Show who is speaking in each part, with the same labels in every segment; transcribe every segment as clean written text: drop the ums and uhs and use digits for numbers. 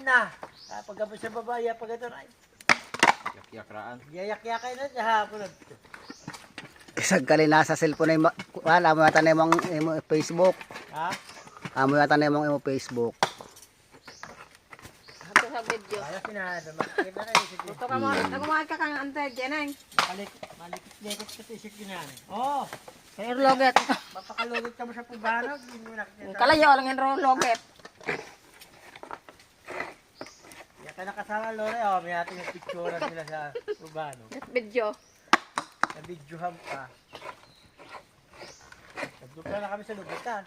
Speaker 1: na. Pagkabos sa babae, pag ito na.
Speaker 2: Yak-yakraan.
Speaker 1: Yayak-yakay na siya hapon.
Speaker 3: Isag kali nasa cellphone ay wala mo yata na imong Facebook.
Speaker 1: Ha?
Speaker 3: Amo yata na imong Facebook.
Speaker 4: Ito sa video.
Speaker 1: Ayos na, makikita na rin.
Speaker 4: Ito ka mo, nagumahal ka kang antay, Jeneng.
Speaker 1: Malikit-likit sa tisik yun yan. Oo.
Speaker 4: Kaya loget.
Speaker 1: Mapakalugit ka mo sa pubanog. Hindi mo nakikita.
Speaker 4: Kalayo lang yung loget.
Speaker 1: Yan ka nakasama, Lore. Oh, may ating picture nila sa pubanog.
Speaker 4: Video.
Speaker 1: Sa videohan pa. Nagdupla na kami sa lubutan.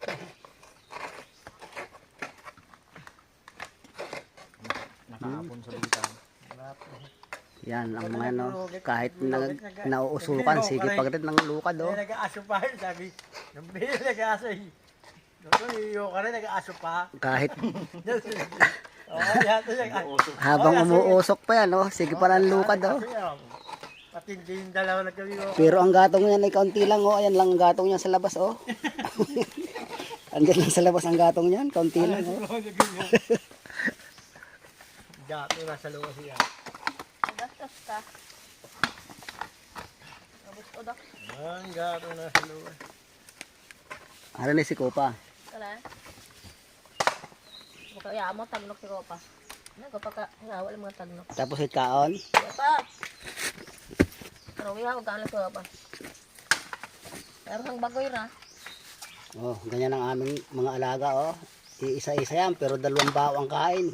Speaker 2: Nakahapon sa lugitan.
Speaker 3: Yan ang mga ano, kahit nauusukan, sige pagdating ng lukad oh.
Speaker 1: Nag-aaso pa yun, sabi. Nung bili nag-aaso yun. Nung iyo ka rin, nag-aaso pa.
Speaker 3: Kahit
Speaker 1: Yata nag-aaso.
Speaker 3: habang umuusok pa yan oh, sige pa ng lukad oh.
Speaker 1: Patindi yung dalawa na kami.
Speaker 3: Pero ang gatong niyan ay kaunti lang oh, ayan lang ang gatong niya sa labas oh. Andyan lang sa labas ang gatong niyan, kaunti lang oh.
Speaker 1: Gato na sa luwas siya.
Speaker 4: Gastos ka. Abot o dak.
Speaker 1: Ang gato na sa luwas.
Speaker 3: Ano ni si Kopa?
Speaker 4: Kala. Kaya mo tagnok si Kopa. Nagpa ka wala mga tagnok.
Speaker 3: Tapos itkaon.
Speaker 4: Kopa. Pero wiha ko kan Kopa. Pero sang bagoy ra.
Speaker 3: Oh, ganyan ang aming mga alaga oh. Iisa-isa yan pero dalawang bao ang kain.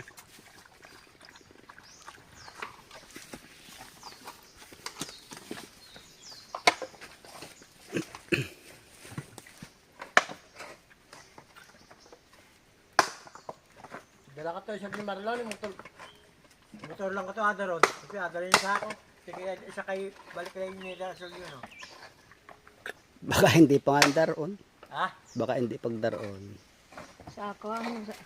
Speaker 1: Dala ka to, isang ni Marlon, motor lang ko to, Adaron. Kasi Adaron yung sa ako. Sige, isa kay, balik kayo yung nila, so yun, no?
Speaker 3: Baka hindi pa nga daron.
Speaker 1: Ha?
Speaker 3: Baka hindi pag daron.
Speaker 4: Sa ako ang sa.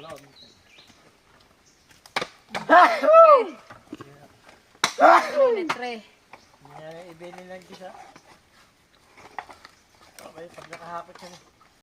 Speaker 4: Litre.
Speaker 1: Ibinin lang kita. Okay, pag nakahapot siya na.